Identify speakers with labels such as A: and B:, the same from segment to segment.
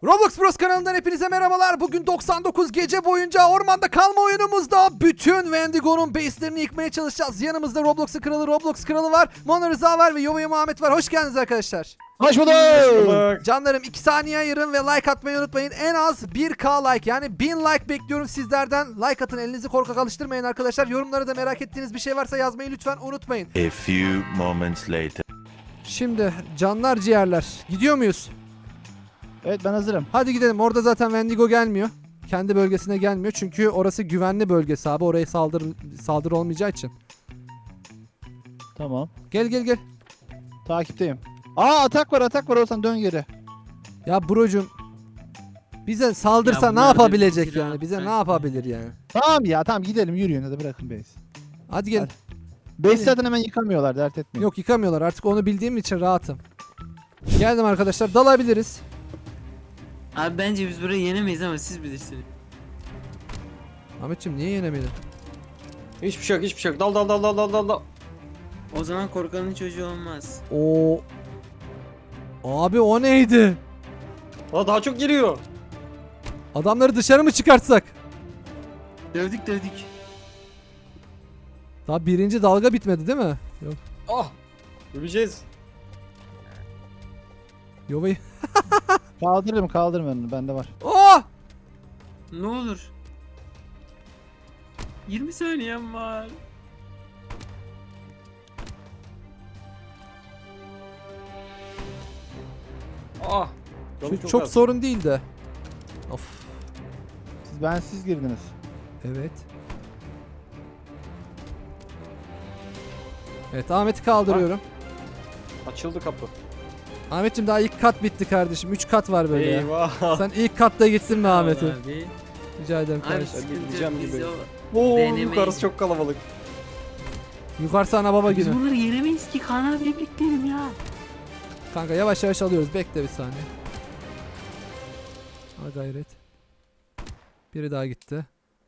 A: Roblox Bros kanalından hepinize merhabalar. Bugün 99 gece boyunca ormanda kalma oyunumuzda bütün Wendigo'nun base'lerini yıkmaya çalışacağız. Yanımızda Roblox kralı var, Mona Rıza var ve Yova'ya Muhammed var. Hoş geldiniz arkadaşlar.
B: Hoş bulduk.
A: Canlarım 2 saniye ayırın ve like atmayı unutmayın. En az 1k like yani 1000 like bekliyorum sizlerden. Like atın, elinizi korkak alıştırmayın arkadaşlar. Yorumlara da merak ettiğiniz bir şey varsa yazmayı lütfen unutmayın.
C: A few moments later.
A: Şimdi canlar ciğerler, gidiyor muyuz?
B: Evet, ben hazırım.
A: Hadi gidelim. Orada zaten Wendigo gelmiyor. Kendi bölgesine gelmiyor. Çünkü orası güvenli bölgesi abi. Oraya saldırı olmayacağı için.
B: Tamam.
A: Gel.
B: Takipteyim. Atak var Olsan, dön geri.
A: Ya brocum, bize saldırsa
D: Ya
A: ne
D: bunlar
A: yapabilecek
D: bir
A: yani? Bize ne
D: rahat
A: yapabilir yani?
B: Tamam gidelim, yürüyün hadi, bırakın base.
A: Hadi gelin.
B: Base zaten hemen yıkamıyorlar, dert etmeyin.
A: Yok, yıkamıyorlar. Artık onu bildiğim için rahatım. Geldim arkadaşlar. Dalabiliriz.
D: Abi bence biz burayı yenemeyiz ama siz bilirsiniz.
A: Ahmetciğim niye yenemedin?
E: Hiçbir şey yok. Dal.
D: O zaman korkanın çocuğu olmaz.
A: Oo. Abi o neydi?
E: Aa, daha çok geliyor.
A: Adamları dışarı mı çıkartsak?
D: Dövdük.
A: Daha birinci dalga bitmedi değil mi? Yok.
E: Ah. Öleceğiz.
A: Yova'yı.
B: Kaldırırım onu, bende var.
A: Oh!
D: Ne olur. 20 saniyem var.
E: Ah. Canım
A: Şu çok
E: az.
A: sorun değil de. Of.
B: Siz girdiniz.
A: Evet. Evet, Ahmet'i kaldırıyorum.
E: Açıldı kapı.
A: Ahmetciğim daha ilk kat bitti kardeşim. 3 kat var böyle ya.
E: Eyvah.
A: Sen ilk katta gittin mi Ahmet'i?
D: Abi.
A: Rica ederim
D: Abi
A: kardeşim.
D: sıkıntı
E: gideceğim
D: yok biz
E: gibi.
D: o.
E: Oo,
D: Denemeyin.
E: yukarısı çok kalabalık.
A: Yukarısı ana baba
D: Biz
A: günü.
D: bunları yenemeyiz ki, Kaan abiyle bekleyelim ya.
A: Kanka yavaş yavaş alıyoruz. Bekle bir saniye. Ha gayret. Biri daha gitti.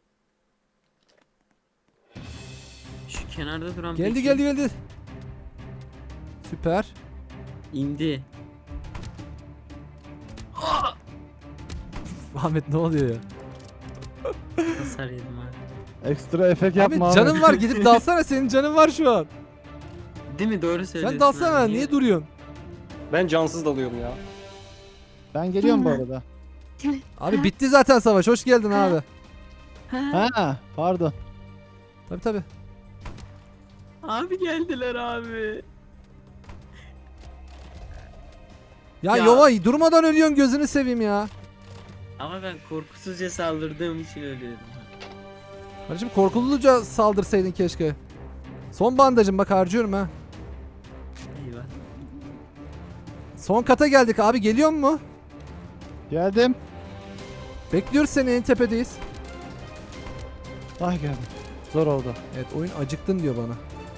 D: Şu kenarda duran
A: Geldi. Süper.
D: İndi.
A: Ahmet ne oluyor ya?
D: Hasar yedim abi.
B: Ekstra efekt
A: Ahmet
B: yapma.
A: canın var, gidip dalsana, senin canın var şu an.
D: Değil mi? Doğru söylüyorsun.
A: Sen dalsana,
D: abi.
A: niye duruyorsun?
E: Ben cansız dalıyorum ya.
B: Ben geliyorum bu arada.
A: Abi bitti zaten savaş, hoş geldin abi.
B: Ha, pardon.
A: Tabi.
D: Abi geldiler abi.
A: Ya,
D: Ya.
A: Yova durmadan ölüyorsun, gözünü seveyim ya.
D: Ama ben korkusuzca saldırdığım için ölüyorum.
A: Kardeşim korkuluca saldırsaydın keşke. Son bandajım, bak harcıyorum ha.
D: Eyvah.
A: Son kata geldik abi, geliyor mu?
B: Geldim.
A: Bekliyoruz seni, en tepedeyiz.
B: Ah, geldim. Zor oldu.
A: Evet, oyun acıktın diyor bana.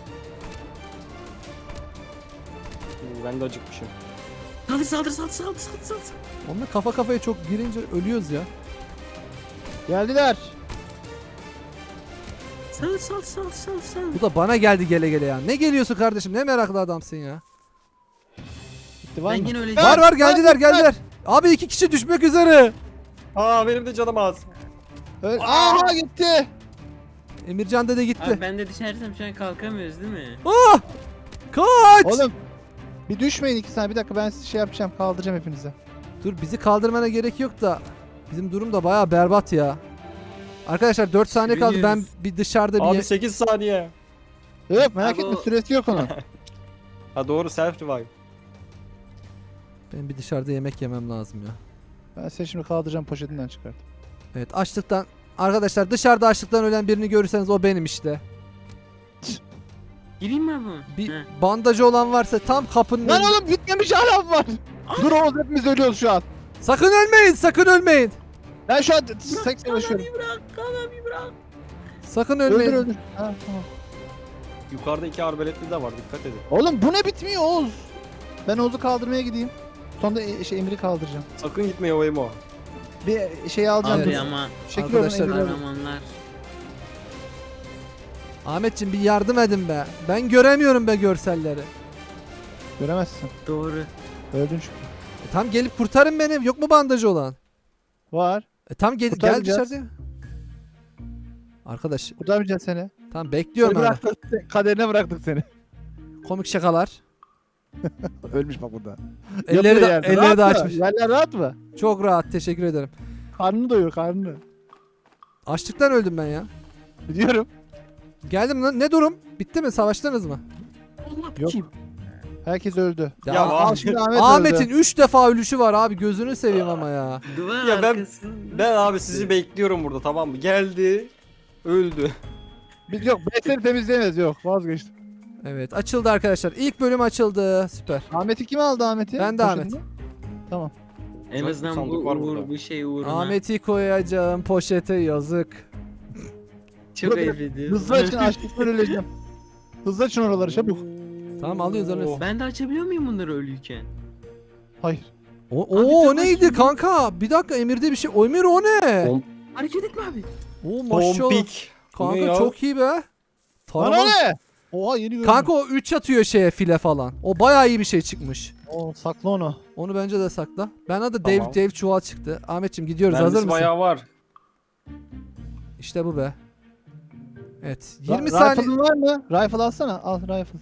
E: Ben de acıkmışım.
D: Saldır.
A: Onunla kafa kafaya çok girince ölüyoruz ya.
B: Geldiler.
D: Sal.
A: Bu da bana geldi gele ya. Ne geliyorsun kardeşim, ne meraklı adamsın ya.
B: Gitti, var
D: Ben
B: mı?
D: yine öleceğim.
A: Var geldiler. Abi 2 kişi düşmek üzere.
E: Aa, benim de canım az.
B: Aha, gitti.
A: Emircan dede gitti.
D: Abi ben de düşersem şu an kalkamıyoruz değil mi?
A: Ah! Kaç!
B: Oğlum bir düşmeyin 2 saniye, bir dakika, ben sizi şey yapacağım, kaldıracağım hepinize.
A: Dur, bizi kaldırmana gerek yok da bizim durum da bayağı berbat ya. Arkadaşlar 4 saniye kaldı. Ben
D: Sürünüyoruz.
A: bir dışarıda
E: Abi
A: bir
E: 8 saniye.
B: Yok, merak
D: Abi
B: etme,
D: o-
B: süresi yok onun.
E: Ha doğru, self revive.
A: ben bir dışarıda yemek yemem lazım ya.
B: Ben seni şimdi kaldıracağım, poşetinden çıkart.
A: Evet, açlıktan arkadaşlar, dışarıda açlıktan ölen birini görürseniz o benim işte.
D: Gireyim mi abi?
A: Bir
D: Heh.
A: bandajı olan varsa tam kapının
B: Lan
A: önünde.
B: oğlum, bitmemiş hala var. Dur Oğuz, hepimiz ölüyoruz şu an.
A: Sakın ölmeyin.
B: Ben şu an seks yaşıyorum.
D: Kaan abi bırak.
A: Sakın ölmeyin.
B: Öldür. Ha, tamam.
E: Yukarıda 2 arbeletli de var, dikkat edin.
B: Oğlum bu ne bitmiyor Oğuz? Ben Oğuz'u kaldırmaya gideyim. Sonra da Emir'i kaldıracağım.
E: Sakın gitme o Emo.
B: Bir şey alacağım.
D: Abi
B: dur.
D: ama
B: Şekil
A: Arkadaşlar-
B: oradan Emir'i alın.
D: kahramanlar.
A: Ahmetciğim bir yardım edin be. Ben göremiyorum be görselleri.
B: Göremezsin.
D: Doğru.
B: Öldün çünkü.
A: Tam gelip kurtarın beni. Yok mu bandajı olan?
B: Var.
A: Tam gel
B: Kurtaracağız.
A: dışarıda. Arkadaş
B: Kurtarmayacağız seni.
A: tam
B: Seni
A: bekliyorum ben.
B: bıraktık. Kaderine bıraktık seni.
A: Komik şakalar.
B: Ölmüş bak burada.
A: Elleri de,
B: Yatıyor yerde.
A: elleri de
B: Rahat mı?
A: açmış.
B: Yerler rahat mı?
A: Çok rahat, teşekkür ederim.
B: Karnını doyur karnını.
A: Açlıktan öldüm ben ya.
B: Biliyorum.
A: Geldim lan. Ne durum? Bitti mi? Savaştınız mı?
B: Yok. Herkes öldü.
E: Ya
B: Al
E: abi.
B: şimdi
A: Ahmet'in
B: öldü.
A: 3 defa ölüşü var abi. Gözünü seveyim ama ya.
D: Duvar
E: Ya ben-
D: arkasında.
E: Ben abi sizi bekliyorum burada, tamam mı? Geldi. Öldü.
B: Biz yok. Besleri temizleyemeyiz yok. Vazgeçtim.
A: Evet, açıldı arkadaşlar. İlk bölüm açıldı. Süper.
B: Ahmet'i kim aldı Ahmet'i?
A: Ben de Ahmet.
B: Poşetini. Tamam.
D: En
E: Bak,
D: azından
E: sandık
D: bu
E: var
D: uğur,
E: burada.
D: bu şey uğruna.
A: Ahmet'i koyacağım poşete, yazık.
D: Çok
B: Burada
D: ayıp ediyorsun.
B: Hızlı açın açlıktan öleceğim. Hızlı açın oraları çabuk.
A: Tamam, alıyoruz, alıyoruz.
D: Ben de açabiliyor muyum bunları ölüyken?
B: Hayır.
A: O
D: Abi,
A: neydi kanka? Bir dakika, Emir'de bir şey. O Emir o ne?
D: Hareket etme abi.
A: O maşallah.
E: Pompik. Bu ne
A: Kanka
E: ya?
A: çok iyi be.
B: Lan
A: Tarama.
B: o ne? Oha yeni gördüm.
A: Kanka o 3 atıyor şeye, file falan. O bayağı iyi bir şey çıkmış.
B: Oo, sakla onu.
A: Onu bence de sakla. Ben adı
E: Tamam.
A: Dave Çuval çıktı. Ahmetciğim gidiyoruz, hazır
E: Mermisi
A: mısın?
E: bayağı var.
A: İşte bu be. Evet. 20 saniye.
B: Rifle'ın var mı? Rifle alsana. Al rifle.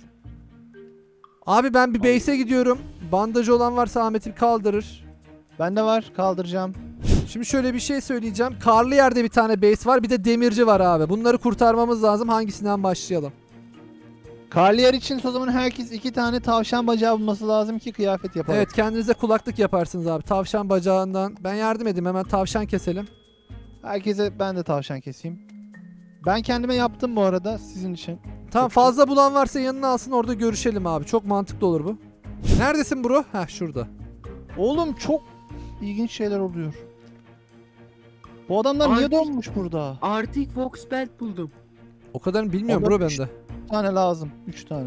A: Abi ben bir base'e gidiyorum. Bandajı olan varsa Ahmet'i kaldırır.
B: Bende var. Kaldıracağım.
A: Şimdi şöyle bir şey söyleyeceğim. Karlı yerde bir tane base var. Bir de demirci var abi. Bunları kurtarmamız lazım. Hangisinden başlayalım?
B: Karliyer için o zaman herkes 2 tane tavşan bacağı bulması lazım ki kıyafet yapalım.
A: Evet, kendinize kulaklık yaparsınız abi. Tavşan bacağından. Ben yardım edeyim, hemen tavşan keselim.
B: Herkese ben de tavşan keseyim. Ben kendime yaptım bu arada sizin için.
A: Tamam, fazla bulan varsa yanına alsın, orada görüşelim abi. Çok mantıklı olur bu. Neredesin bro? Heh, şurada.
B: Oğlum çok ilginç şeyler oluyor. Bu adamlar niye
D: Artık-
B: donmuş burada?
D: Arctic Fox Belt buldum.
A: O kadarını bilmiyorum
B: Oğlum,
A: bro bende.
B: 3 tane lazım. 3 tane.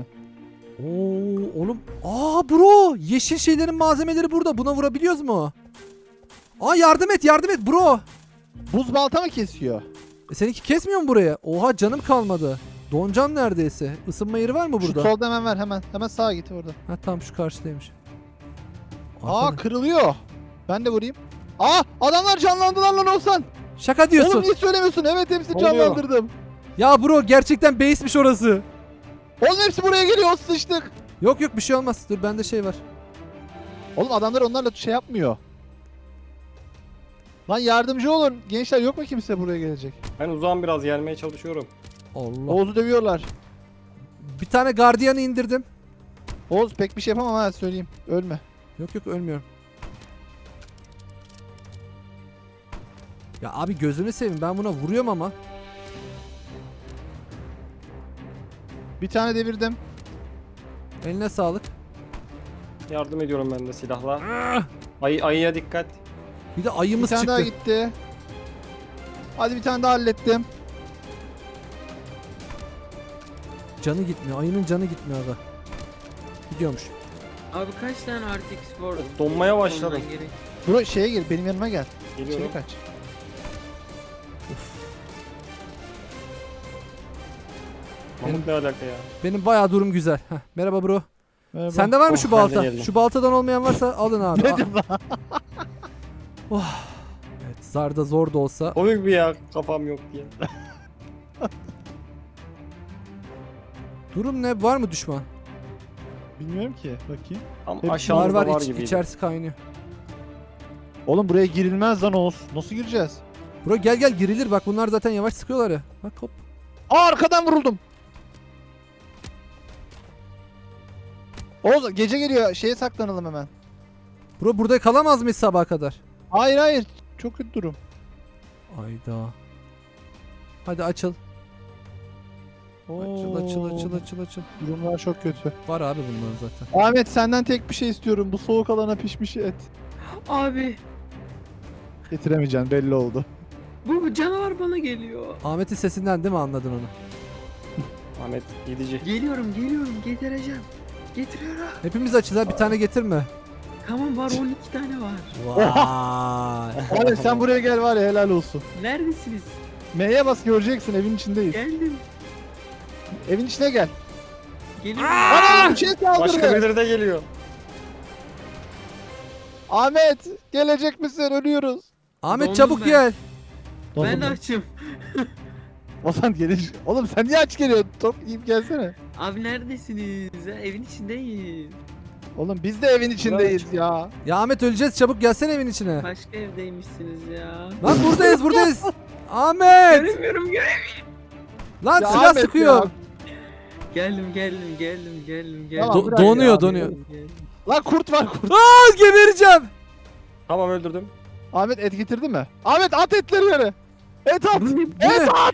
A: Oo oğlum. Aa bro, yeşil şeylerin malzemeleri burada. Buna vurabiliyoruz mu? Aa, yardım et bro.
B: Buz balta mı kesiyor?
A: Seninki kesmiyor mu buraya? Oha, canım kalmadı. Doncan neredeyse. Isınma yeri var mı
B: Şu
A: burada?
B: solda hemen ver hemen. Hemen sağa git orada.
A: Ha tamam, şu karşıdaymış.
B: Aa
A: Arkada.
B: kırılıyor. Ben de vurayım. Aa adamlar canlandılar lan Oğuzhan.
A: Şaka diyorsun.
B: Oğlum niye söylemiyorsun? Evet hepsini
E: Ne oluyor?
B: canlandırdım.
A: Ya bro, gerçekten base'miş orası.
B: Oğlum hepsi buraya geliyor sıçtık.
A: Yok bir şey olmaz. Dur, bende şey var.
B: Oğlum adamlar onlarla şey yapmıyor. Lan yardımcı olun. Gençler yok mu kimse buraya gelecek?
E: Ben uzağım, biraz gelmeye çalışıyorum.
A: Allah.
B: Oğuz'u dövüyorlar.
A: Bir tane gardiyanı indirdim.
B: Oğuz pek bir şey yapamam ha söyleyeyim. Ölme.
A: Yok ölmüyorum. Ya abi gözünü seveyim, ben buna vuruyorum ama.
B: Bir tane devirdim.
A: Eline sağlık.
E: Yardım ediyorum ben de silahla. Ayıya dikkat.
A: Bir de
B: Bir
A: ayımız
B: tane daha
A: çıktı.
B: gitti. Hadi bir tane daha hallettim.
A: Canı gitmiyor. Ayının canı gitmiyor abi. Gidiyormuş.
D: Abi kaç tane Arctic Sport
E: Donmaya başladım.
D: olman gerek?
B: Bro şeye gel benim yanıma gel.
E: Geliyorum.
B: İçeri kaç.
E: Mahmut ne alaka ya?
A: Benim bayağı durum güzel. Heh, merhaba bro.
B: Merhaba.
A: Sende var mı
E: Oh,
A: şu
E: ben de
A: balta?
E: geldim.
A: Şu baltadan olmayan varsa alın abi.
B: Dedim lan.
A: Evet, zarda zor da olsa.
E: Komik bir ya, kafam yok diye.
A: Durum ne? Var mı düşman?
B: Bilmiyorum ki. Bakayım.
E: Ama
B: Hep
E: aşağımızda var,
A: var,
E: gibiydi.
A: içerisi kaynıyor.
B: Oğlum buraya girilmez lan Oğuz. Nasıl gireceğiz?
A: Bro gel girilir, bak bunlar zaten yavaş sıkıyorlar ya. Bak hop.
B: Aa arkadan vuruldum. Oğuz gece geliyor. Şeye saklanalım hemen.
A: Bro burada kalamaz mıyız sabaha kadar?
B: Hayır hayır. Çok kötü durum.
A: Ayda. Hadi açıl. Açıl.
B: Oo, Durumlar çok kötü.
A: Var abi bunların zaten.
B: Ahmet senden tek bir şey istiyorum. Bu soğuk alana pişmiş et.
D: Abi
B: Getiremeyeceksin belli oldu.
D: bu canavar bana geliyor.
A: Ahmet'in sesinden değil mi anladın onu?
E: Ahmet gidici.
D: Geliyorum getireceğim. Getiriyorum.
A: Hepimiz açız ha, bir tane getirme.
D: Tamam var 12 tane var.
A: Vay.
B: Ahmet sen buraya gel var ya helal olsun.
D: Neredesiniz?
B: M'ye bas göreceksin evin içindeyiz.
D: Geldim.
B: Evin içine gel.
D: Geliyorum.
B: Ana bir şey
E: Başka
B: saldırdı.
E: birileri de geliyor.
B: Ahmet gelecek misin? Ölüyoruz.
A: Ahmet
D: Dondum
A: çabuk
D: ben.
A: gel.
D: Ben de açım.
B: Ozan gelir. Oğlum sen niye aç geliyorsun? Top yiyip gelsene.
D: Abi neredesiniz? Ya, evin içindeyim.
B: Oğlum biz de evin içindeyiz ya.
A: Ya Ahmet öleceğiz, çabuk gelsene evin içine.
D: Başka evdeymişsiniz ya.
A: Lan buradayız. Ahmet.
D: Göremiyorum.
A: Lan
B: Ya
A: silah
B: Ahmet
A: sıkıyor.
B: ya.
D: Geldim.
B: Tamam,
A: Do-
B: bırak
A: donuyor
B: ya.
A: donuyor.
B: Lan kurt var kurt.
A: Aa, gebereceğim.
E: Tamam öldürdüm.
B: Ahmet et getirdi mi? Ahmet at etleri yere. Et at.
A: Bu ne?
B: Et at.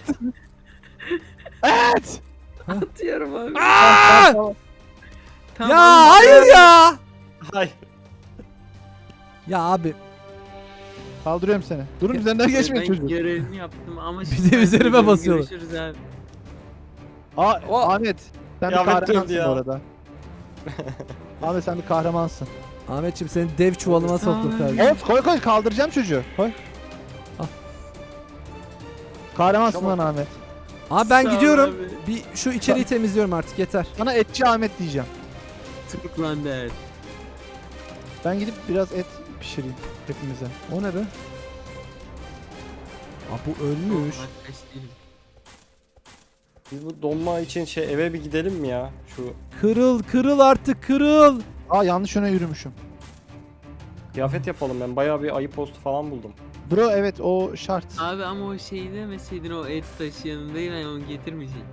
B: Et.
D: Atıyorum abi.
A: Aa!
D: Tamam,
A: Ya
D: abi.
A: hayır ya.
E: Hayır.
A: Ya abi
B: Kaldırıyorum seni. Durun üzerinden geçmeyin
D: Ben
B: çocuğu.
D: görevimi yaptım ama
A: Bir
D: şimdi
A: de
D: ben
A: üzerime
D: gidiyorum.
A: basıyorlar.
D: Görüşürüz abi.
B: Ahmet sen bir
E: Ya Ahmet
B: kahramansın
E: öldü ya.
B: bu arada. Ahmet sen bir kahramansın.
A: Ahmetciğim seni dev çuvalıma
D: Sağ ol
A: soktum
D: abi.
A: kardeşim.
B: Evet koy kaldıracağım çocuğu. Koy.
A: Al.
B: Kahramansın
E: Tamam.
B: lan Ahmet.
A: Abi ben
D: Sağ ol
A: gidiyorum.
D: abi.
A: Bir şu içeriği temizliyorum artık, yeter.
B: Sana etçi Ahmet diyeceğim.
D: Tıklan der.
B: Ben gidip biraz et pişireyim hepimize.
A: O ne be? Aa, bu ölmüş.
D: Arkadaş değilim.
E: Biz bu donma için eve bir gidelim mi ya? Şu
A: Kırıl artık, kırıl.
B: Aa yanlış yöne yürümüşüm.
E: kıyafet yapalım, ben bayağı bir ayı postu falan buldum.
B: Bro evet o şart.
D: Abi ama o şeyi demeseydin, o et taşı yanındaydı, ben onu getirmeyecektim.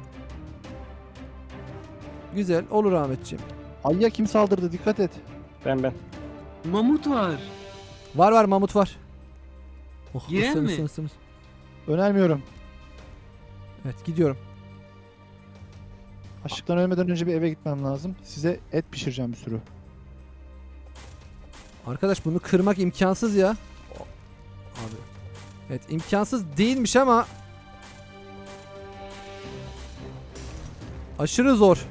A: Güzel olur Ahmetciğim.
B: Ayıya kim saldırdı dikkat et.
E: Ben.
D: Mamut var.
A: Var mamut var. Oh,
D: Giren
A: ısın,
D: mi?
A: ısın, ısın.
B: Önermiyorum.
A: Evet gidiyorum.
B: Açlıktan ölmeden önce bir eve gitmem lazım. Size et pişireceğim bir sürü.
A: Arkadaş bunu kırmak imkansız ya. Abi. Evet imkansız değilmiş ama aşırı zor.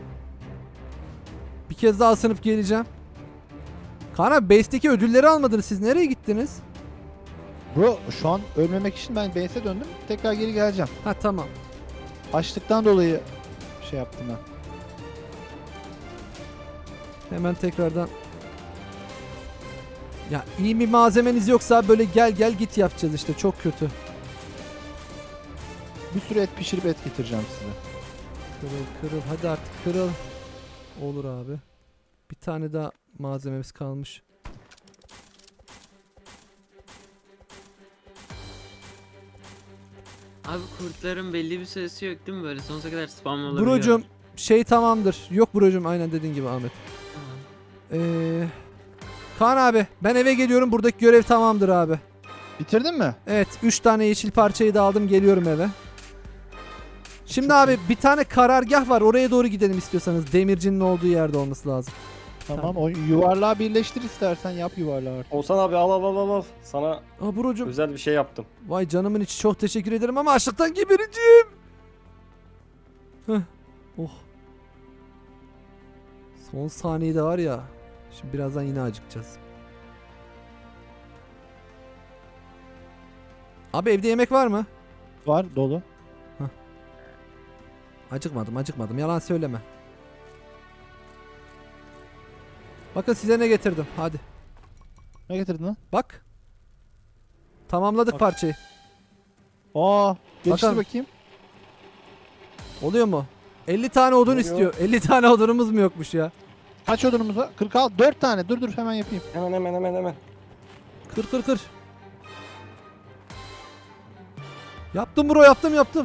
A: Bir kez daha ısınıp geleceğim. Kaan abi base'deki ödülleri almadınız, siz nereye gittiniz?
B: Bro şu an ölmemek için ben base'e döndüm. Tekrar geri geleceğim.
A: Ha tamam.
B: Açlıktan dolayı şey yaptım ben.
A: Hemen tekrardan. Ya iyi bir malzemeniz yoksa böyle gel git yapacağız işte, çok kötü.
B: Bir sürü et pişirip et getireceğim size.
A: Kırıl hadi artık kırıl. Olur abi. Bir tane daha malzememiz kalmış.
D: Abi kurtların belli bir süresi yok değil mi, böyle sonsuza kadar spam olabiliyor?
A: Brocum şey tamamdır. Yok brocum, aynen dediğin gibi Ahmet.
D: Tamam.
A: Kaan abi ben eve geliyorum, buradaki görev tamamdır abi.
B: Bitirdin mi?
A: Evet 3 tane yeşil parçayı da aldım, geliyorum eve. Şimdi abi bir tane karargah var, oraya doğru gidelim istiyorsanız. Demircinin olduğu yerde olması lazım.
B: Tamam o yuvarlağı birleştir istersen yap yuvarlağı artık.
E: Oğuzhan abi al. Sana
A: Aa brocum,
E: özel bir şey yaptım.
A: vay canımın içi, çok teşekkür ederim ama açlıktan gebereceğim. Heh. Oh. Son saniyede var ya. Şimdi birazdan yine acıkacağız. Abi evde yemek var mı?
B: Var dolu.
A: Acıkmadım. Yalan söyleme. Bakın size ne getirdim. Hadi.
B: Ne getirdin lan?
A: Bak. Tamamladık
B: Bak.
A: parçayı.
B: Aa geçtir
A: Bakalım.
B: bakayım.
A: Oluyor mu? 50 tane odun
E: Oluyor.
A: istiyor. 50 tane odunumuz mu yokmuş ya?
B: Kaç odunumuz var? 46. 4 tane. Dur hemen yapayım.
E: Hemen.
A: Kır. Yaptım bro, yaptım.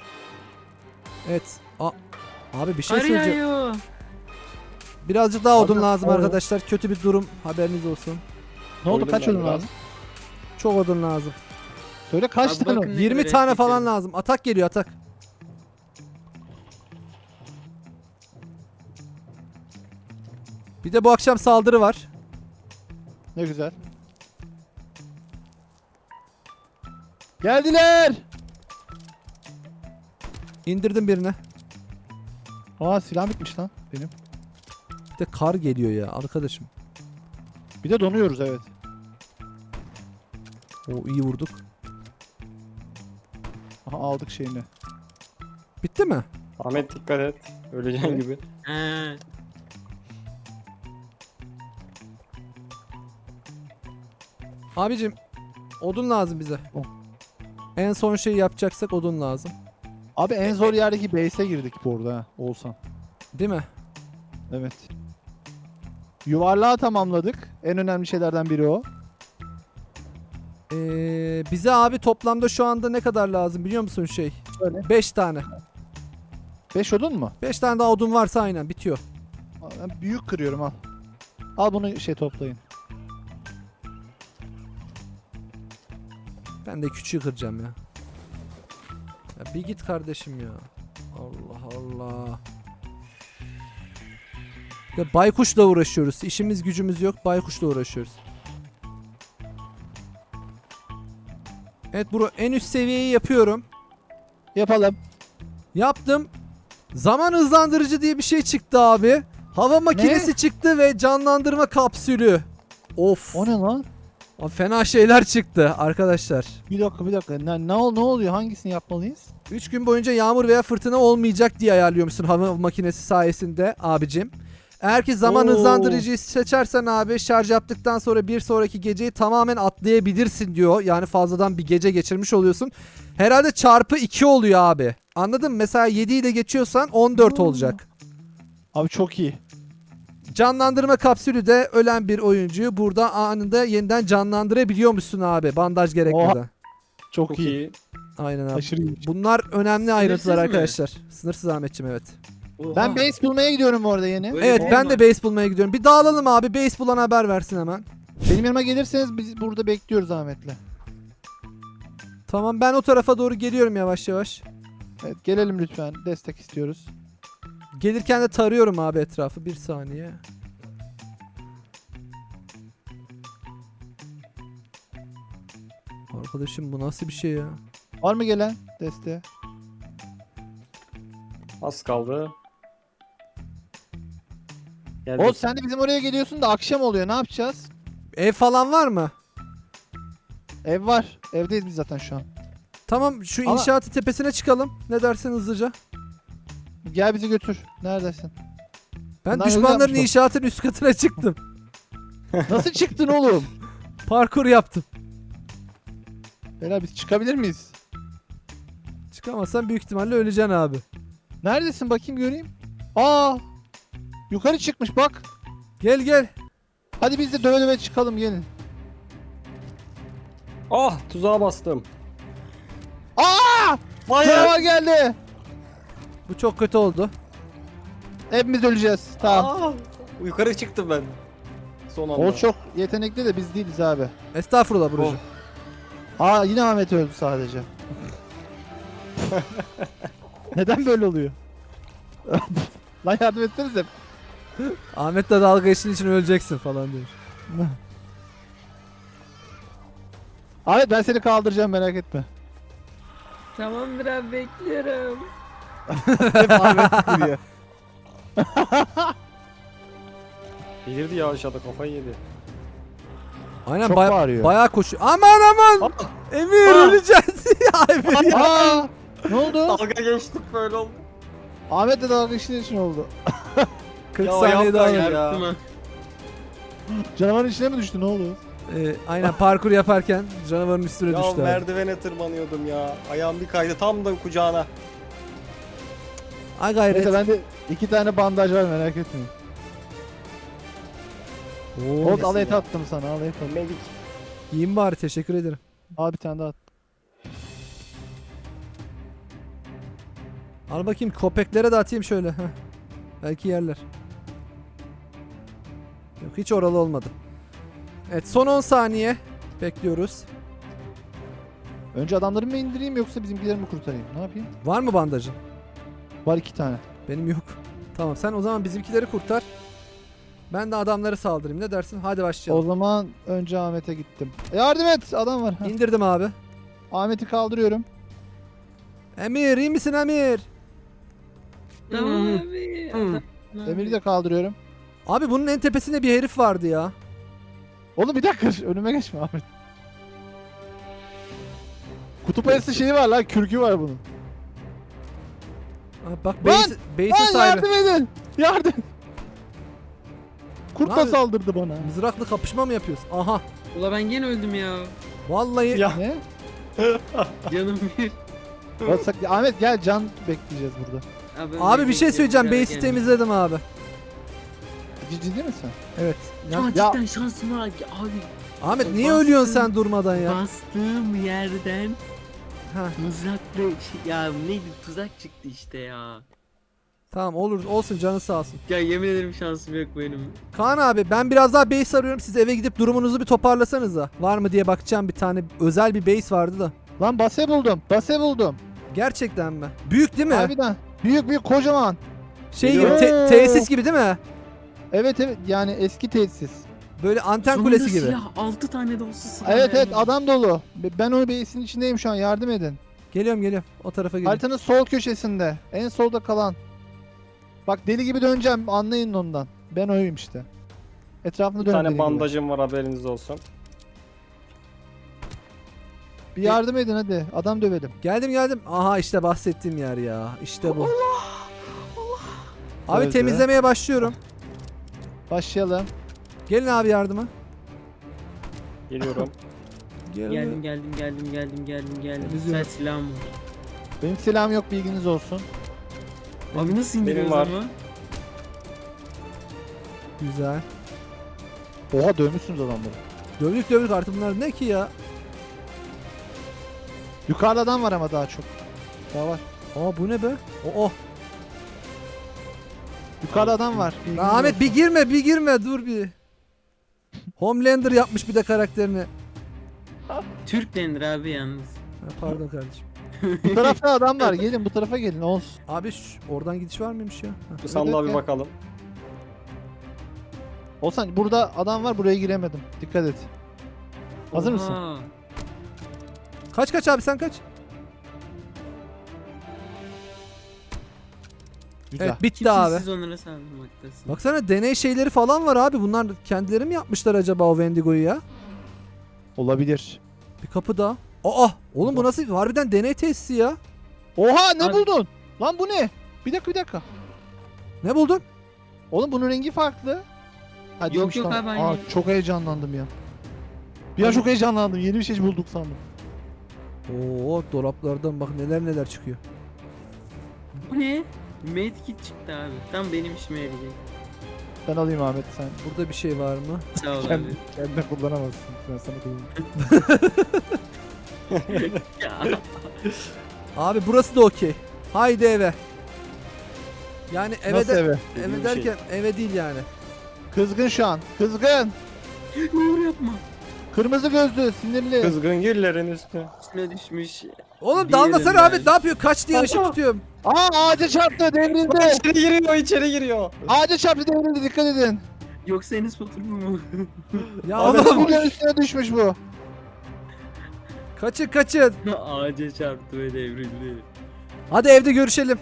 A: Evet. Abi bir şey
D: Kar
A: söyleyeceğim.
D: yağıyor.
A: Birazcık daha odun
B: Abi,
A: lazım
B: abi.
A: arkadaşlar. Kötü bir durum. Haberiniz olsun.
B: Ne oldu
E: Koydum
B: kaç
E: ben
B: odun
E: biraz.
B: lazım?
A: Çok odun lazım.
B: Söyle kaç
D: Abi
B: tane
D: bakın
B: odun?
D: ne
A: 20
D: kadar
A: tane
D: et
A: falan
D: getirdim.
A: lazım. Atak geliyor, atak. Bir de bu akşam saldırı var.
B: Ne güzel. Geldiler.
A: İndirdim birini.
B: Aa silah bitmiş lan benim.
A: Bir de kar geliyor ya arkadaşım.
B: Bir de donuyoruz evet.
A: O iyi vurduk.
B: Aha aldık şeyini.
A: Bitti mi?
E: Ahmet dikkat et. Öleceğin
B: Evet.
E: gibi.
D: He.
A: Abicim odun lazım bize.
B: Oh.
A: En son şeyi yapacaksak odun lazım.
B: Abi en zor yerdeki base'e girdik bu arada ha, Oğuzhan.
A: Değil mi?
B: Evet. Yuvarlağı tamamladık. En önemli şeylerden biri o.
A: Bize abi toplamda şu anda ne kadar lazım biliyor musun şey?
B: Şöyle.
A: 5 tane.
B: 5 odun mu?
A: 5 tane daha odun varsa aynen bitiyor.
B: Ben büyük kırıyorum al. Al bunu toplayın.
A: Ben de küçüğü kıracağım ya. Ya bir git kardeşim ya. Allah Allah. Ya baykuşla uğraşıyoruz. İşimiz gücümüz yok. Baykuşla uğraşıyoruz. Evet bro en üst seviyeyi yapıyorum.
B: Yapalım.
A: Yaptım. Zaman hızlandırıcı diye bir şey çıktı abi. Hava makinesi çıktı ve canlandırma kapsülü. Of.
B: O ne lan?
A: Abi fena şeyler çıktı arkadaşlar.
B: Bir dakika. Ne oluyor? Hangisini yapmalıyız?
A: 3 gün boyunca yağmur veya fırtına olmayacak diye ayarlıyormuşsun hava makinesi sayesinde abicim. Eğer ki zaman
B: Oo.
A: hızlandırıcıyı seçersen abi şarj yaptıktan sonra bir sonraki geceyi tamamen atlayabilirsin diyor. Yani fazladan bir gece geçirmiş oluyorsun. Herhalde çarpı 2 oluyor abi. Anladın mı? Mesela 7 ile geçiyorsan 14 olacak.
B: Abi çok iyi.
A: Canlandırma kapsülü de ölen bir oyuncuyu burada anında yeniden canlandırabiliyormuşsun abi. Bandaj gerekmeden.
B: Çok
E: Çok
B: iyi.
E: iyi.
A: Aynen abi.
B: Aşırı iyi.
A: Bunlar önemli ayrıntılar
D: mi?
A: arkadaşlar. Sınırsız Ahmetciğim evet.
B: Ben base bulmaya gidiyorum bu arada yeni.
D: Böyle
A: Evet
D: bir
A: ben
D: olma.
A: de base bulmaya gidiyorum. Bir dağılalım abi. Base bulan haber versin hemen.
B: Benim yanıma gelirseniz biz burada bekliyoruz Ahmet'le.
A: Tamam ben o tarafa doğru geliyorum yavaş yavaş.
B: Evet gelelim lütfen. Destek istiyoruz.
A: Gelirken de tarıyorum abi etrafı. Bir saniye. Arkadaşım bu nasıl bir şey ya?
B: Var mı gelen desteğe?
E: Az kaldı. Geldik.
B: Oğuz sen de bizim oraya geliyorsun da akşam oluyor. Ne yapacağız?
A: Ev falan var mı?
B: Ev var. Evdeyiz biz zaten şu an.
A: Tamam şu
B: Ama-
A: inşaatı tepesine çıkalım. Ne dersin hızlıca?
B: Gel bizi götür. Neredesin?
A: Ben
B: Bunlar
A: düşmanların
B: öyle yapmış
A: inşaatın üst katına çıktım.
B: Nasıl çıktın oğlum?
A: Parkur yaptım.
B: Beyler biz çıkabilir miyiz?
A: Çıkamazsan büyük ihtimalle öleceksin abi.
B: Neredesin bakayım göreyim. Aa! Yukarı çıkmış bak.
A: Gel gel.
B: Hadi biz de döve döve çıkalım gelin.
E: Ah tuzağa bastım.
B: Aa!
E: Hayır.
B: Canavar geldi.
A: Bu çok kötü oldu.
B: Hepimiz öleceğiz. Tamam.
E: Aa, yukarı çıktım ben. Son anda.
B: Oğuz çok yetenekli de biz değiliz abi.
A: Estağfurullah Burcu.
B: Aa yine Ahmet öldü sadece. Neden böyle oluyor? Lan yardım etsenize.
A: Ahmet'le dalga geçtiğin için öleceksin falan demiş.
B: Ahmet ben seni kaldıracağım merak etme.
D: Tamamdır abi bekliyorum.
B: Hep Ahmet giriyor.
E: Delirdi ya aşağıda kafayı yedi.
A: Aynen
B: Çok bağırıyor.
A: bayağı koşuyor. Aman aman. Emir öleceğiz. ya Emir.
B: Aa! Ne oldu?
E: Dalga geçtik böyle oldu.
B: Ahmet de dalga işin için oldu.
A: 40
E: Ya
A: saniye daha
E: yapma
A: var.
E: ya.
D: Değil mi?
B: Canavarın içine mi düştü ne oldu?
A: Aynen parkur yaparken canavarın üstüne
E: Ya
A: düştü abi.
E: merdivene tırmanıyordum ya. Ayağım bir kaydı tam da kucağına.
A: Ay gayret.
B: Neyse bende 2 tane bandaj var merak etmeyin. Oğuz al et attım sana al et attım.
E: Medik.
A: Yiyeyim bari teşekkür ederim.
B: Al bir tane daha at.
A: Al bakayım köpeklere de atayım şöyle. Heh. Belki yerler. Yok hiç oralı olmadı. Evet son 10 saniye. Bekliyoruz.
B: Önce adamları mı indireyim yoksa bizimkileri mi kurtarayım? Ne yapayım?
A: Var mı bandajın?
B: Var 2 tane.
A: Benim yok. Tamam sen o zaman bizimkileri kurtar. Ben de adamları saldırayım. Ne dersin? Hadi
B: O
A: başlayalım.
B: zaman önce Ahmet'e gittim. Yardım et adam var. Heh.
A: İndirdim abi.
B: Ahmet'i kaldırıyorum.
A: Emir iyi misin Emir?
D: Tamam abi.
B: Emir'i de kaldırıyorum.
A: Abi bunun en tepesinde bir herif vardı ya.
B: Oğlum bir dakika önüme geçme Ahmet. Kutup ayısı şeyi var lan kürkü var bunun.
A: Abi bak
B: Lan!
A: base'in
B: Lan
A: sahibi.
B: yardım edin. Yardım. Kurt da
A: Abi-
B: saldırdı bana.
A: Mızraklı kapışma mı yapıyoruz? Aha.
D: Ula ben gene öldüm ya.
A: Vallahi
E: Ya.
B: Ne?
D: Canım bir.
B: Ahmet gel, can bekleyeceğiz burada.
A: abi bir şey söyleyeceğim. Base'i temizledim abi.
B: Ciddi misin?
A: Evet.
D: Ya,
A: Ya,
D: cidden şansım var abi.
A: Ahmet niye
D: bastın.
A: ölüyorsun sen durmadan ya?
D: Bastığım yerden
A: Ha,
D: mızrakla ya neydi tuzak çıktı işte ya.
A: tamam olur olsun canı sağ olsun.
D: Ya yemin ederim şansım yok benim.
A: Kaan abi ben biraz daha base arıyorum. Siz eve gidip durumunuzu bir toparlasanıza. Var mı diye bakacağım, bir tane özel bir base vardı da.
B: Lan base buldum. Base buldum.
A: Gerçekten mi? Büyük değil mi?
B: Harbiden. Büyük kocaman.
A: Şey gibi
B: Geliyor.
A: tesis gibi değil mi?
B: Evet yani eski tesis.
A: Böyle anten
D: Sonunda
A: kulesi gibi.
D: silah 6 tane de olsa silah.
B: Evet
D: yani.
B: adam dolu. Ben o base'in içindeyim şu an, yardım edin.
A: Geliyorum. O tarafa geliyorum.
B: Haritanın sol köşesinde. En solda kalan. Bak deli gibi döneceğim, anlayın ondan. Ben oyum işte. Etrafında
E: Bir
B: dön.
E: tane bandajım var, haberiniz olsun.
B: Bir yardım edin hadi. Adam dövelim.
A: Geldim. Aha işte bahsettiğim yer ya. İşte bu. Abi
B: Öldü.
A: temizlemeye başlıyorum.
B: Başlayalım.
A: Gelin abi yardıma.
E: Geliyorum.
D: Geldim.
B: Temizliyorum.
D: Güzel silahım var.
B: Benim silahım yok, bilginiz olsun.
D: Abi nasıl indiriyoruz
E: var.
D: ama?
A: Güzel.
B: Oha dövmüşsünüz adamları.
A: Dövdük artık bunlar ne ki ya?
B: Yukarıda adam var ama daha çok. Daha var.
A: Aa bu ne be? Oh.
B: Yukarıda adam var. bilginiz
A: Ahmet
B: olsun.
A: bir girme dur bir. Homelander yapmış bir de karakterini.
D: Türk denir abi yalnız.
A: Ha, pardon kardeşim.
B: Bu tarafta adam var. Gelin bu tarafa gelin. Olsun.
A: Abi oradan gidiş var mıymış ya? Ha.
E: Bu sandığa bir
B: gel.
E: bakalım.
B: Olsan burada adam var, buraya giremedim. Dikkat et. Hazır mısın?
D: Oha.
A: Kaç abi sen kaç?
B: Güzel.
A: Evet bitti
D: Kimsiniz
A: abi.
D: siz onlara saldırmaktasın?
A: Baksana deney şeyleri falan var abi. Bunlar kendileri mi yapmışlar acaba o Wendigo'yu ya?
B: Olabilir.
A: Bir kapı daha. Aa oğlum bu nasıl harbiden deney tesisi ya?
B: Oha ne
D: Abi-
B: buldun? Lan bu ne? Bir dakika.
A: Ne buldun?
B: Oğlum bunun rengi farklı. Ha,
D: Yok,
B: değilmiş
D: yok
B: lan.
D: abi, aynı.
B: Çok heyecanlandım ya. Bir an çok heyecanlandım. Yeni bir şey bulduk sandım.
A: Oo dolaplardan bak neler çıkıyor.
D: Bu ne? Medkit çıktı abi. Tam benim işime yarayacak.
B: Ben alayım Ahmet, sen.
A: Burada bir şey var mı?
D: Sağ ol abi.
B: Kendine kullanamazsın. Ben sana koyayım.
D: Ya.
A: Abi burası da okey. Haydi eve. Yani eve
B: Nasıl
A: de
B: eve?
A: eve derken eve değil yani.
B: Kızgın şu an. Kızgın.
D: Nur yapma.
B: Kırmızı gözlü, sinirli.
E: Kızgın güllerin üstü.
D: Üstüne düşmüş.
A: Oğlum
D: Bir
A: dalmasana
D: yerim
A: abi ne yapıyor? Kaç diye ışık
E: Aa.
A: tutuyorum.
B: Ağaca çarptı, devrildi.
E: İçeri giriyor.
B: Ağaca çarptı, devrildi, dikkat edin.
D: Yoksa Enes Batur mu?
A: Ya
E: Abi,
A: oğlum
B: Kızgın üstüne düşmüş bu.
A: kaçın.
D: Ağaca çarptı ve devrildi.
A: Hadi evde görüşelim.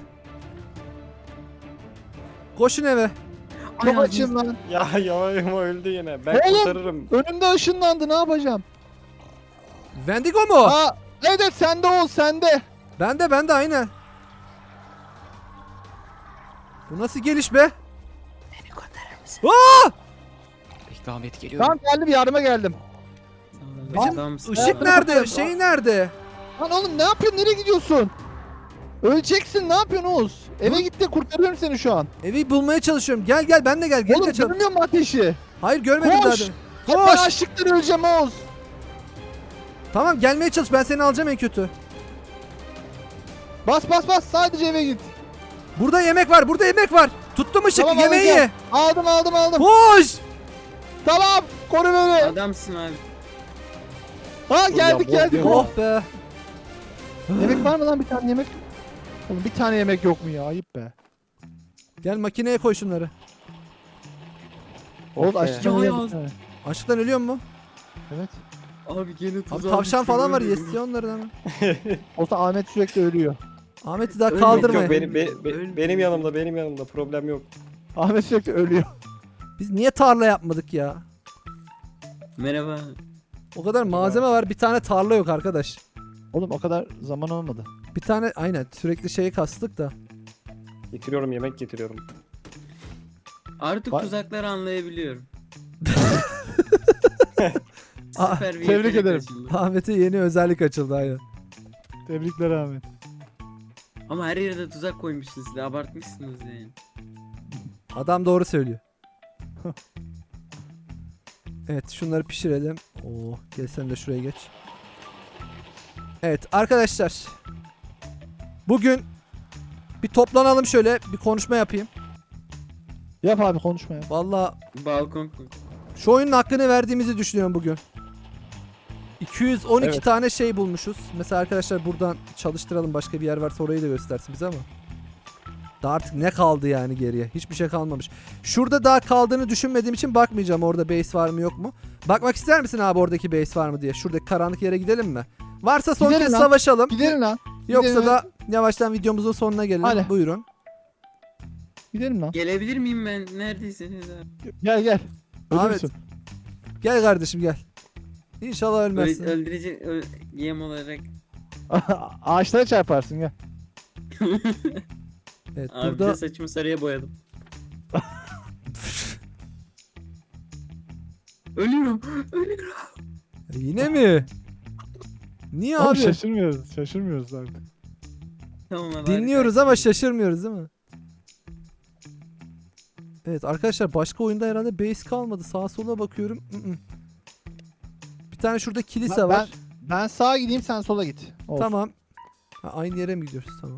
A: Koşun eve.
B: Çok
D: Ay,
B: açım lan.
E: Ya yavayım öldü yine. Ben
B: Oğlum!
E: kurtarırım.
B: Önümde ışınlandı, ne yapacağım?
A: Wendigo mu?
B: Aa, evet sende ol, sende.
A: Bende aynen. Bu nasıl geliş be?
D: Beni kurtarır mısın?
A: Aa!
F: Bekle Ahmet geliyorum.
B: Tamam geldim, yardıma geldim.
D: Adamsın.
A: Işık nerede? Şey nerede?
B: Lan oğlum ne yapıyorsun, nereye gidiyorsun? Öleceksin, ne yapıyorsun Oğuz? Eve git de kurtarıyorum seni şu an.
A: Evi bulmaya çalışıyorum. Gel ben de gel. Gel
B: Oğlum
A: kaçalım.
B: görmüyor musun ateşi?
A: Hayır görmedim
B: Koş!
A: zaten.
B: Ben
A: Koş.
B: açlıktan öleceğim Oğuz.
A: Tamam gelmeye çalış. Ben seni alacağım en kötü.
B: Bas sadece eve git.
A: Burada yemek var. Tuttum ışık.
B: Tamam,
A: Yemeği ye.
B: alacağım. Aldım.
A: Koş.
B: Tamam, koru beni.
D: Adamsın abi.
B: Ha geldik.
A: Oh be.
B: Yemek var mı lan, bir tane yemek? Oğlum bir tane yemek yok mu ya, ayıp be.
A: Gel makineye koy şunları.
B: Oğuz
E: be.
B: açacağım
D: Ya,
B: ya.
D: ya.
A: Açlıktan ölüyor mu?
B: Evet.
D: Abi gene
A: Abi
D: tuzağa
A: tavşan
D: düştüm,
A: falan var.
D: öldüm.
A: Yesiyor onları hemen.
B: Olsa Ahmet sürekli ölüyor.
A: Ahmet'i daha
D: Ölmek
E: Yok
A: kaldırmayın.
E: benim yanımda problem yok.
B: Ahmet sürekli ölüyor.
A: Biz niye tarla yapmadık ya?
D: Merhaba.
A: O kadar malzeme var. Bir tane tarla yok arkadaş.
B: Oğlum o kadar zaman olmadı.
A: Bir tane aynen sürekli şeyi kastık da.
E: Getiriyorum, yemek getiriyorum.
D: Artık
B: Var-
D: tuzakları anlayabiliyorum. Süper bir
B: tebrik
D: yetenek
B: ederim.
D: açıldı.
A: Ahmet'e yeni özellik açıldı aynen.
B: Tebrikler Ahmet.
D: Ama her yerde tuzak koymuşsunuz siz de abartmışsınız yani.
A: Adam doğru söylüyor. Evet şunları pişirelim. Oo, gel sen de şuraya geç. Evet arkadaşlar. Bugün bir toplanalım şöyle bir konuşma yapayım.
B: Yap abi konuşma ya.
A: Vallahi
D: Balkon.
A: şu oyunun hakkını verdiğimizi düşünüyorum bugün. 212
B: Evet.
A: tane şey bulmuşuz. Mesela arkadaşlar buradan çalıştıralım. Başka bir yer varsa orayı da göstersin bize ama. Daha artık ne kaldı yani geriye? Hiçbir şey kalmamış. Şurada daha kaldığını düşünmediğim için bakmayacağım orada base var mı yok mu. Bakmak ister misin abi oradaki base var mı diye? Şuradaki karanlık yere gidelim mi? Varsa son
B: Gidelim
A: kez
B: lan.
A: savaşalım.
B: Gidelim lan.
A: Yoksa
B: gidelim.
A: da yavaştan videomuzun sonuna gelelim.
B: Hadi.
A: Buyurun.
B: Gidelim lan.
D: Gelebilir miyim ben? Neredeyseniz abi.
B: Gel gel.
A: Ahmet.
B: Ölürsün.
A: Gel kardeşim gel. İnşallah ölmezsin.
D: Öldürücü yem olarak.
B: Ağaçlara çarparsın gel.
A: Evet
D: Abi
A: burada
D: de saçımı sarıya boyadım. Ölüyorum. Ölüyorum.
A: yine mi? Niye
B: Oğlum
A: abi?
B: şaşırmıyoruz. Şaşırmıyoruz artık.
D: Tamam abi.
A: Dinliyoruz ama şaşırmıyoruz değil mi? Evet arkadaşlar başka oyunda herhalde base kalmadı. Sağa sola bakıyorum. Bir tane şurada kilise
B: Ben-
A: var.
B: Ben sağa gideyim sen sola git. Olsun.
A: Tamam. Ha, aynı yere mi gidiyoruz? Tamam.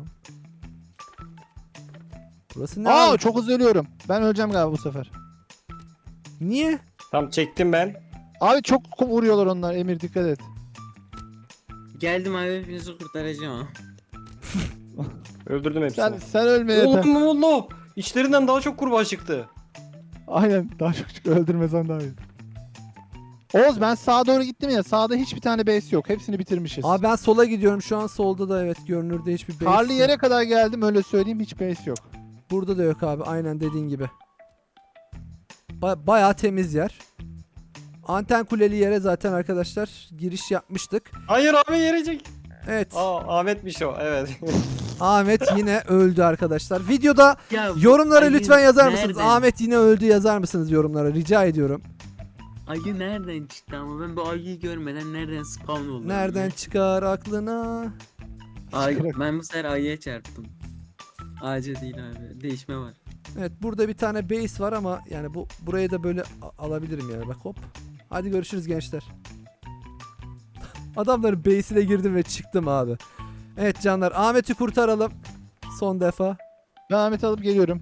A: Burası ne
B: Aa
A: abi?
B: çok hızlı ölüyorum. Ben öleceğim galiba bu sefer.
A: Niye?
E: Tam çektim ben.
B: Abi çok vuruyorlar onlar Emir dikkat et.
D: Geldim abi hepinizi kurtaracağım.
E: Öldürdüm hepsini.
B: Sen ölme yeter.
E: Oğlum ne oldu? İçlerinden daha çok kurbağa çıktı.
B: Aynen daha çok öldürmesen daha iyi. Oğuz ben sağa doğru gittim ya sağda hiçbir tane base yok. Hepsini bitirmişiz.
A: Abi ben sola gidiyorum. Şu an solda da evet görünürde hiçbir base
B: Karlı
A: yok.
B: yere kadar geldim öyle söyleyeyim hiç base yok.
A: Burada da yok abi. Aynen dediğin gibi. Bayağı temiz yer. Anten kuleli yere zaten arkadaşlar giriş yapmıştık.
E: Hayır abi yerecek.
A: Evet.
E: Ahmetmiş o evet.
A: Ahmet yine öldü arkadaşlar. Videoda
D: Ya bu
A: yorumlara
D: ayı
A: lütfen yazar mısınız?
D: nereden-
A: Ahmet yine öldü yazar mısınız yorumlara? Rica ediyorum.
D: Ayı nereden çıktı ama ben bu ayıyı görmeden nereden spawn oldum?
A: Nereden çıkar aklına?
D: Ben bu sefer ayıya çarptım. Ağaca değil abi. Değişme var.
A: Evet burada bir tane base var ama yani burayı da böyle alabilirim yani bak hop. Hadi görüşürüz gençler. Adamların base'ine girdim ve çıktım abi. Evet canlar Ahmet'i kurtaralım. Son defa.
B: Ben Ahmet'i alıp geliyorum.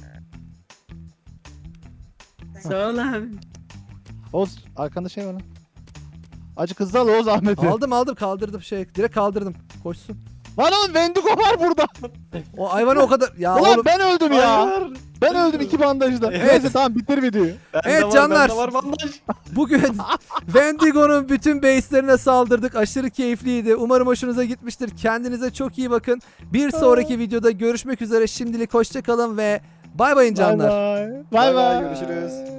D: Sağ ol abi.
B: Oğuz arkanda şey var lan. Acık hızlı al Oğuz Ahmet'i.
A: Aldım kaldırdım direkt kaldırdım. Koşsun.
B: Lan oğlum Wendigo var burada.
A: O hayvanı o kadar ya
B: Ulan
A: oğlum.
B: ben öldüm ya.
E: Hayır.
B: Ben öldüm 2 bandajda.
A: Evet.
B: Neyse tamam bitir videoyu.
E: Bende
A: Evet
E: var,
A: canlar.
E: bende var bandaj.
A: Bugün Wendigo'nun bütün base'lerine saldırdık. Aşırı keyifliydi. Umarım hoşunuza gitmiştir. Kendinize çok iyi bakın. Bir sonraki videoda görüşmek üzere. Şimdilik hoşça kalın ve bay bayın canlar.
B: Bay bay.
E: Bay bay, görüşürüz.